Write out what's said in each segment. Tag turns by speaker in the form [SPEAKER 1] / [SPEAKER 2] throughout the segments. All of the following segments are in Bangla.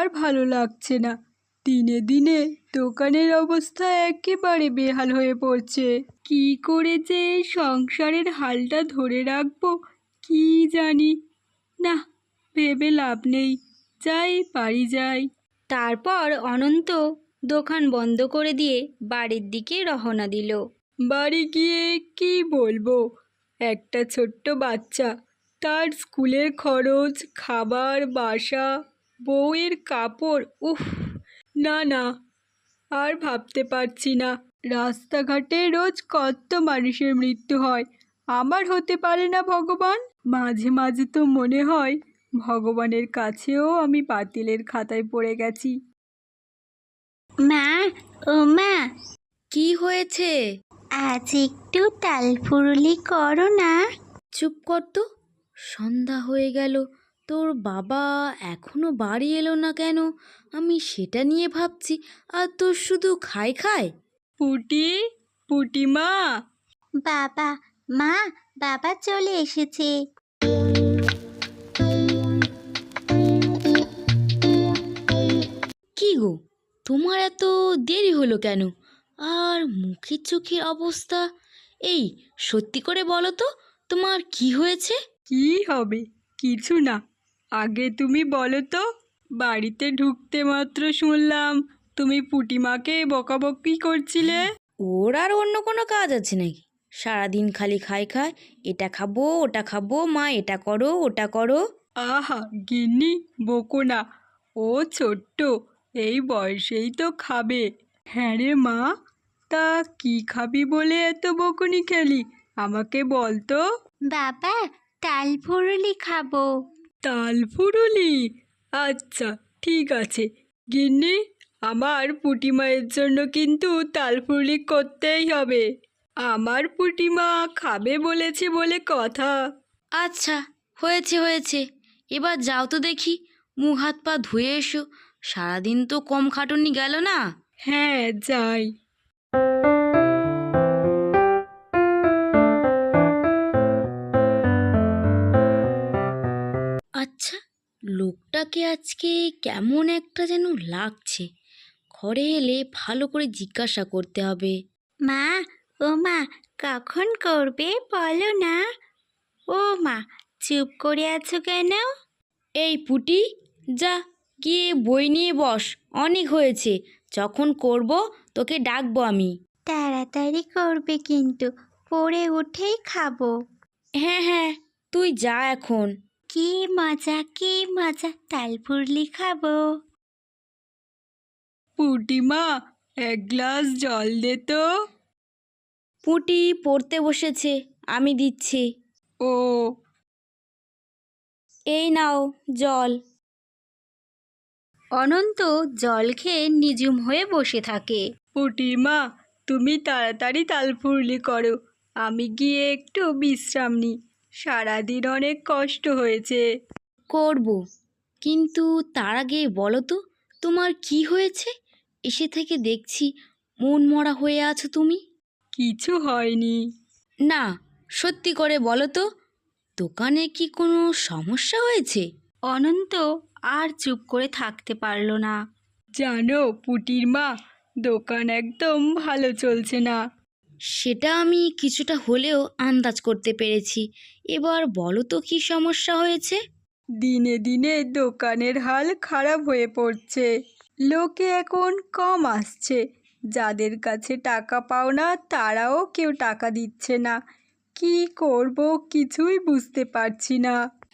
[SPEAKER 1] ভালো লাগছে না। দিনে দিনে দোকানের অবস্থা একেবারে বেহাল হয়ে পড়ছে। কি করে যে সংসারের হালটা ধরে রাখবো কি জানি না, ভেবে লাভ নেই, যাই বাড়ি যাই।
[SPEAKER 2] তারপর অনন্ত দোকান বন্ধ করে দিয়ে বাড়ির দিকে রওনা দিল।
[SPEAKER 1] বাড়ি গিয়ে কি বলবো, একটা ছোট্ট বাচ্চা, তার স্কুলের খরচ, খাবার, বাসা, বউয়ের কাপড়, উফ, না না, আর ভাবতে পারছি না। রাস্তাঘাটে রোজ কত মানুষের মৃত্যু হয়, আমার হতে পারে না ভগবান। মাঝে মাঝে তো মনে হয় ভগবানের কাছেও আমি বাতিলের খাতায় পড়ে গেছি।
[SPEAKER 3] মা, ও মা,
[SPEAKER 2] কি হয়েছে?
[SPEAKER 3] আজ একটু তালফুরুলি করো না।
[SPEAKER 2] চুপ কর তো, সন্ধ্যা হয়ে গেল, তোর বাবা এখনো বাড়ি এলো না কেন? আমি সেটা নিয়ে ভাবছি, আর তোর শুধু খাই খাই।
[SPEAKER 1] পুটি, পুটিমা।
[SPEAKER 3] বাবা, মা, বাবা চলে এসেছে।
[SPEAKER 2] কি গো, তোমার এত দেরি হলো কেন? আর মুখের চোখের অবস্থা, এই সত্যি করে বলো তো, তোমার কি হয়েছে?
[SPEAKER 1] কি হবে, কিছু না। আগে তুমি বলো তো, বাড়িতে ঢুকতে মাত্র শুনলাম তুমি পুটিমাকে বকাবকি করছিলে।
[SPEAKER 2] ওর আর অন্য কোনো কাজ আছে নাকি? সারাদিন খালি খাই খায়, এটা খাবো ওটা খাবো, মা এটা করো ওটা করো।
[SPEAKER 1] আহা গিন্নি, বকো না, ও ছোট্ট, এই বয়সেই তো খাবে। হ্যাঁ রে মা, তা কি খাবি বলে এত বকুনি খেলি, আমাকে বল তো।
[SPEAKER 3] বাবা, তালফুরুলি খাবো।
[SPEAKER 1] তালফুরুলি, আচ্ছা ঠিক আছে গিন্নি, আমার পুটিমায়ের জন্য কিন্তু তালফুরুলি করতেই হবে। আমার পুটিমা খাবে বলেছে বলে কথা।
[SPEAKER 2] আচ্ছা, হয়েছে হয়েছে, এবার যাও তো দেখি, মুখ হাত পা ধুয়ে এসো, সারাদিন তো কম খাটুনি গেল না।
[SPEAKER 1] হ্যাঁ যাই।
[SPEAKER 2] আচ্ছা, লোকটাকে আজকে কেমন একটা যেন লাগছে, ঘরে এলে ভালো করে জিজ্ঞাসা করতে হবে।
[SPEAKER 3] মা, ও মা, কখন করবে বলো না। ও মা, চুপ করে আছো কেন?
[SPEAKER 2] এই পুটি, যা গিয়ে বই নিয়ে বস, অনেক হয়েছে, যখন করব তোকে ডাকবো আমি।
[SPEAKER 3] তাড়াতাড়ি করবে কিন্তু, পড়ে উঠেই খাবো।
[SPEAKER 2] হ্যাঁ হ্যাঁ, তুই যা এখন।
[SPEAKER 3] কি মজা, কি মজা, তালফুরলি খাবো।
[SPEAKER 1] পুটিমা, এক গ্লাস জল দে তো।
[SPEAKER 2] পুটি পড়তে বসেছে, আমি দিচ্ছি।
[SPEAKER 1] ও,
[SPEAKER 2] এই নাও জল। অনন্ত জল খেয়ে নিঝুম হয়ে বসে থাকে।
[SPEAKER 1] পুটিমা, তুমি তাড়াতাড়ি তালফুরুলি করো, আমি গিয়ে একটু বিশ্রাম নিই, সারাদিন অনেক কষ্ট হয়েছে।
[SPEAKER 2] করব, কিন্তু তার আগে বলো তো, তোমার কি হয়েছে? এসে থেকে দেখছি মন মরা হয়ে আছো তুমি।
[SPEAKER 1] কিছু হয়নি।
[SPEAKER 2] না, সত্যি করে বলো তো, দোকানে কি কোনো সমস্যা হয়েছে?
[SPEAKER 3] অনন্ত আর চুপ করে থাকতে পারল না।
[SPEAKER 1] জানো পুটির মা, দোকান একদম ভালো চলছে না।
[SPEAKER 2] সেটা আমি কিছুটা হলেও আন্দাজ করতে পেরেছি, এবার বলো তো কি সমস্যা হয়েছে?
[SPEAKER 1] দিনে দিনে দোকানের হাল খারাপ হয়ে পড়ছে, লোকে এখন কম আসছে, যাদের কাছে টাকা পাও না তারাও কেউ টাকা দিচ্ছে না। কি করব কিছুই বুঝতে পারছি না।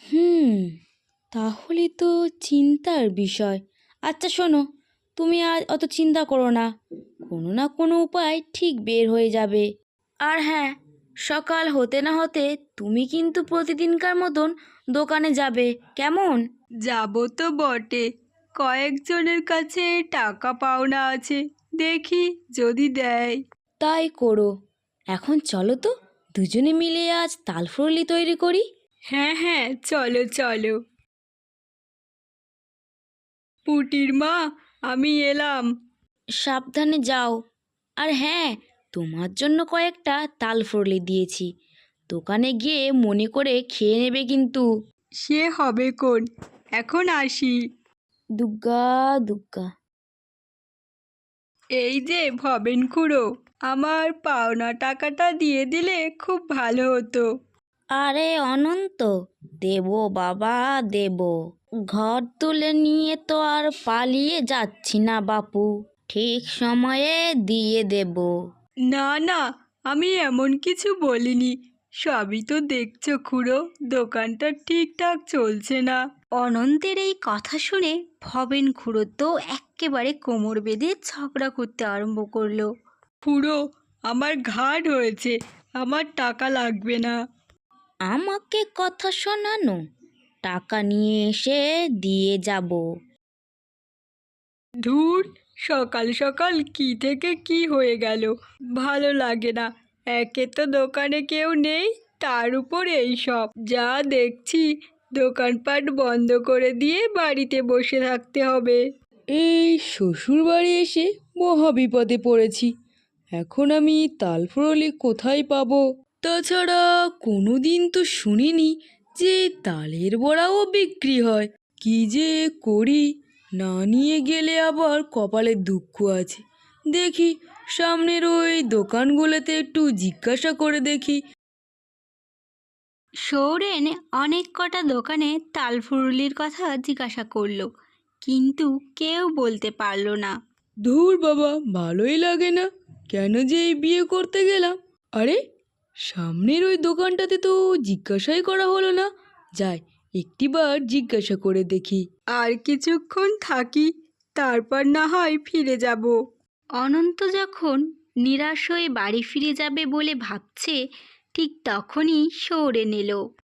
[SPEAKER 2] তাহলে তো চিন্তার বিষয়। আচ্ছা শোনো, তুমি আর অত চিন্তা করো না, কোনো না কোনো উপায় ঠিক বের হয়ে যাবে। আর হ্যাঁ, সকাল হতে না হতে তুমি কিন্তু প্রতিদিনকার মতন দোকানে যাবে, কেমন?
[SPEAKER 1] যাব তো বটে, কয়েকজনের কাছে টাকা পাওনা আছে, দেখি যদি দেয়।
[SPEAKER 2] তাই করো। এখন চলো তো, দুজনে মিলে আজ তালফুরলি তৈরি করি।
[SPEAKER 1] হ্যাঁ হ্যাঁ, চলো চলো। পুটির মা, আমি এলাম।
[SPEAKER 2] সাবধানে যাও। আর হ্যাঁ, তোমার জন্য কয়েকটা তালফুরলি দিয়েছি, দোকানে গিয়ে মনে করে খেয়ে নেবে কিন্তু।
[SPEAKER 1] সে হবে কোন, এখন আসি।
[SPEAKER 2] দুগ্গা দুগ্গা।
[SPEAKER 1] এই যে ভবেন খুড়ো, আমার পাওনা টাকাটা দিয়ে দিলে খুব ভালো হতো।
[SPEAKER 2] আরে অনন্ত, দেব বাবা দেব। ঘর তুলে নিয়ে তো আর পালিয়ে যাচ্ছি না বাপু, ঠিক সময়ে দিয়ে দেব।
[SPEAKER 1] না না, আমি এমন কিছু বলিনি। সবই তো দেখছো খুড়ো, দোকানটা ঠিকঠাক চলছে না।
[SPEAKER 3] অনন্তের এই কথা শুনে ভবেন খুড়ো তো এক্কেবারে কোমর বেঁধে ঝগড়া করতে আরম্ভ করলো।
[SPEAKER 1] খুড়ো, আমার ঘাট হয়েছে, আমার টাকা লাগবে না।
[SPEAKER 2] আমাকে কথা শোনানো, টাকা নিয়ে এসে দিয়ে যাব।
[SPEAKER 1] ধুর, সকাল সকাল কি থেকে কি হয়ে গেল, ভালো লাগে না। একে তো দোকানে কেউ নেই, তার উপর এই সব যা দেখছি, দোকানপাট বন্ধ করে দিয়ে বাড়িতে বসে থাকতে হবে।
[SPEAKER 4] এই শ্বশুর বাড়ি এসে মহা বিপদে পড়েছি। এখন আমি তালফুরলি কোথায় পাবো? তাছাড়া কোনো দিন তো শুনিনি যে তালের বড়াও বিক্রি হয়। কি যে করি, না নিয়ে গেলে আবার কপালে দুঃখ আছে। দেখি সামনের ওই দোকানগুলোতে একটু জিজ্ঞাসা করে দেখি।
[SPEAKER 3] সৌরেন অনেক কটা দোকানে তালফুরুলির কথা জিজ্ঞাসা করলো, কিন্তু কেউ বলতে পারলো না।
[SPEAKER 4] ধুর বাবা, ভালোই লাগে না, কেন যে এই বিয়ে করতে গেলাম। আরে, সামনের ওই দোকানটাতে তো জিজ্ঞাসাই করা হলো না। যাই, একটিবার জিজ্ঞাসা করে দেখি।
[SPEAKER 1] আর কিছুক্ষণ থাকি, তারপর না হয় ফিরে যাব।
[SPEAKER 3] অনন্ত যখন নিরাশ হয়ে বাড়ি ফিরে যাবে বলে ভাবছে, ঠিক তখনই সৌরেন এলো।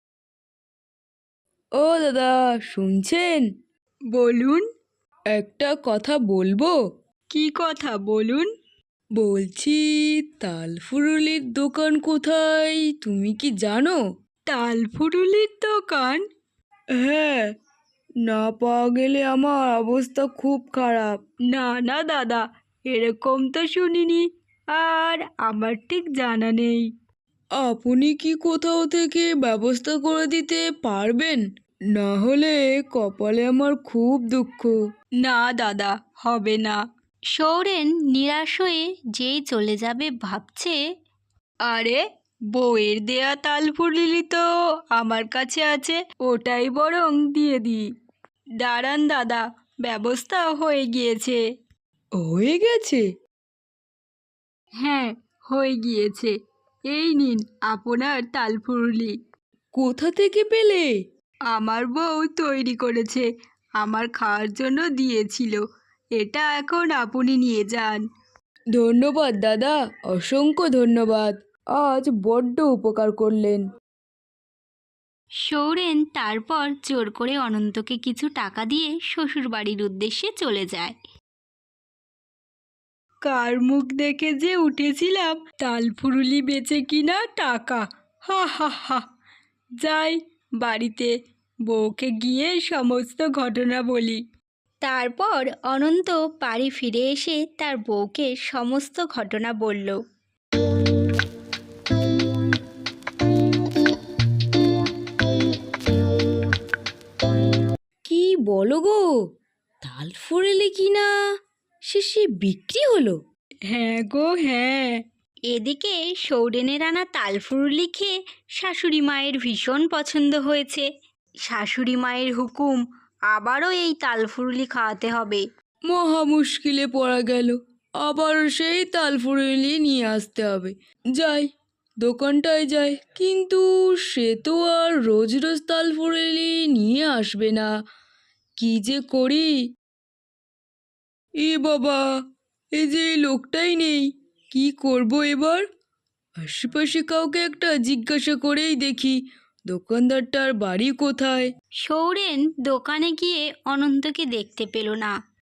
[SPEAKER 4] ও দাদা, শুনছেন?
[SPEAKER 1] বলুন।
[SPEAKER 4] একটা কথা বলবো?
[SPEAKER 1] কি কথা বলুন?
[SPEAKER 4] বলছি, তালফুরুলির দোকান কোথায় তুমি কি জানো?
[SPEAKER 1] তালফুরুলির দোকান?
[SPEAKER 4] হ্যাঁ, না পাওয়া গেলে আমার অবস্থা খুব খারাপ।
[SPEAKER 1] না না দাদা, এরকম তো শুনিনি, আর আমার ঠিক জানা নেই।
[SPEAKER 4] আপনি কি কোথাও থেকে ব্যবস্থা করে দিতে পারবেন? না হলে কপালে আমার খুব দুঃখ।
[SPEAKER 1] না দাদা, হবে না।
[SPEAKER 3] সৌরেন নিরাশ হয়ে যেই চলে যাবে ভাবছে,
[SPEAKER 1] আরে, বউয়ের দেয়া তালফুরুলি তো আমার কাছে আছে, ওটাই বরং দিয়ে দিই। দাঁড়ান দাদা, ব্যবস্থা হয়ে গিয়েছে।
[SPEAKER 4] হয়ে গেছে?
[SPEAKER 1] হ্যাঁ, হয়ে গিয়েছে। এই নিন আপনার তালফুরুলি।
[SPEAKER 4] কোথা থেকে পেলে?
[SPEAKER 1] আমার বউ তৈরি করেছে, আমার খাওয়ার জন্য দিয়েছিল। এটা এখন আপনি নিয়ে যান।
[SPEAKER 4] ধন্যবাদ দাদা, অসংখ্য ধন্যবাদ। আজ বড্ড উপকার করলেন।
[SPEAKER 3] সৌরেন তারপর জোর করে অনন্তকে কিছু টাকা দিয়ে শ্বশুরবাড়ির উদ্দেশ্যে চলে যায়।
[SPEAKER 1] কার মুখ দেখে যে উঠেছিলাম তালফুরুলি বেচে কিনা টাকা, হা হা হা। যাই বাড়িতে, বউকে গিয়ে সমস্ত ঘটনা বলি।
[SPEAKER 3] তারপর অনন্ত বাড়ি ফিরে এসে তার বউকে সমস্ত ঘটনা বলল।
[SPEAKER 2] কি বলো গো, তালফুরুলি কিনা শেষে বিক্রি হলো?
[SPEAKER 1] হ্যাঁ গো হ্যাঁ।
[SPEAKER 3] এদিকে সৌরেনের আনা তালফুরুলি খেয়ে শাশুড়ি মায়ের ভীষণ পছন্দ হয়েছে। শাশুড়ি মায়ের হুকুম, আবারও এই তালফুরুলি খাওয়াতে হবে।
[SPEAKER 4] মহা মুশকিলে পড়া গেল, আবার সেই তালফুরুলি নিয়ে আসতে হবে। যাই, দোকানটায় যাই, কিন্তু সে তো আর রোজ রোজ তালফুরুলি নিয়ে আসবে না। কি যে করি! এ বাবা, এই যে এই লোকটাই নেই, কি করব এবার? আশেপাশে কাউকে একটা জিজ্ঞাসা করেই দেখি দোকানদারটার বাড়ি কোথায়।
[SPEAKER 3] সৌরেন দোকানে গিয়ে অনন্তকে দেখতে পেল না।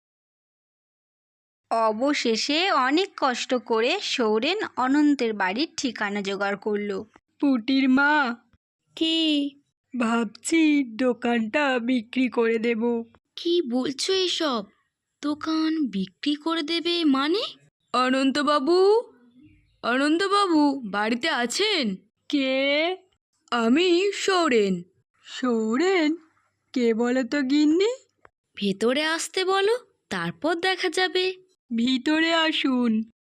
[SPEAKER 3] অবশেষে অনেক কষ্ট করে সৌরেন অনন্তের বাড়ির ঠিকানা জোগাড় করলো।
[SPEAKER 1] পুটির মা,
[SPEAKER 2] কি?
[SPEAKER 1] ভাবছি দোকানটা বিক্রি করে দেব।
[SPEAKER 2] কি বলছো এসব? দোকান বিক্রি করে দেবে মানে?
[SPEAKER 4] অনন্তবাবু, অনন্তবাবু বাড়িতে আছেন?
[SPEAKER 1] কে?
[SPEAKER 4] আমি সৌরেন।
[SPEAKER 1] সৌরেন? কে বলো তো গিন্নি?
[SPEAKER 2] ভেতরে আসতে বলো, তারপর দেখা যাবে।
[SPEAKER 1] ভিতরে আসুন।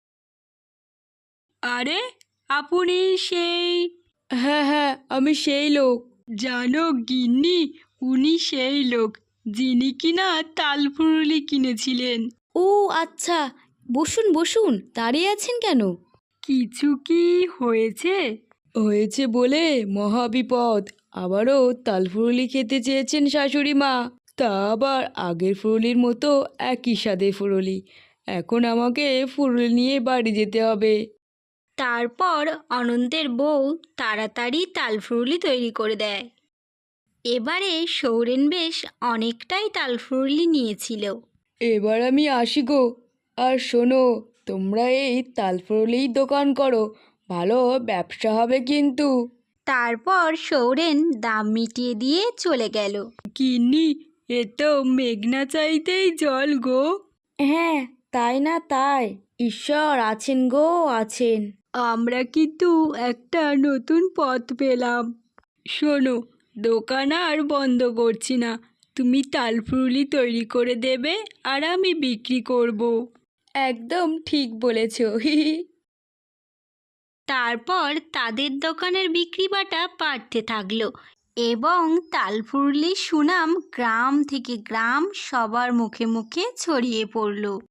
[SPEAKER 1] আরে, আপনি সেই...
[SPEAKER 4] হ্যাঁ হ্যাঁ, আমি সেই লোক।
[SPEAKER 1] জানো গিন্নি, উনি সেই লোক যিনি কিনা তালফুরুলি কিনেছিলেন।
[SPEAKER 2] ও আচ্ছা, বসুন বসুন, দাঁড়িয়ে আছেন কেন?
[SPEAKER 1] কিছু কি হয়েছে?
[SPEAKER 4] হয়েছে বলে মহাবিপদ। আবারও তালফুরুলি খেতে চেয়েছেন শাশুড়ি মা, তা আবার আগের ফুরুলির মতো একই স্বাদের ফুরুলি। এখন আমাকে ফুরুলি নিয়ে বাড়ি যেতে হবে।
[SPEAKER 3] তারপর অনন্তের বউ তাড়াতাড়ি তালফুরুলি তৈরি করে দেয়। এবারে সৌরেন বেশ অনেকটাই তালফুরুলি নিয়েছিল।
[SPEAKER 4] এবার আমি আসি গো। আর শোনো, তোমরা এই তালফুরুলির দোকান করো, ভালো ব্যবসা হবে কিন্তু।
[SPEAKER 3] তারপর সৌরেন দাম মিটিয়ে দিয়ে চলে গেল।
[SPEAKER 1] গিন্নি, এ তো মেঘনা চাইতেই জল গো।
[SPEAKER 2] হ্যাঁ, তাই না তাই, ঈশ্বর আছেন গো আছেন।
[SPEAKER 1] আমরা কিন্তু একটা নতুন পথ পেলাম। শোনো, দোকান আর বন্ধ করছি না, তুমি তালফুরুলি তৈরি করে দেবে আর আমি বিক্রি করব।
[SPEAKER 4] একদম ঠিক বলেছ।
[SPEAKER 3] তারপর তাদের দোকানের বিক্রি বাটা বাড়তে থাকলো এবং তালফুরলির সুনাম গ্রাম থেকে গ্রাম সবার মুখে মুখে ছড়িয়ে পড়ল।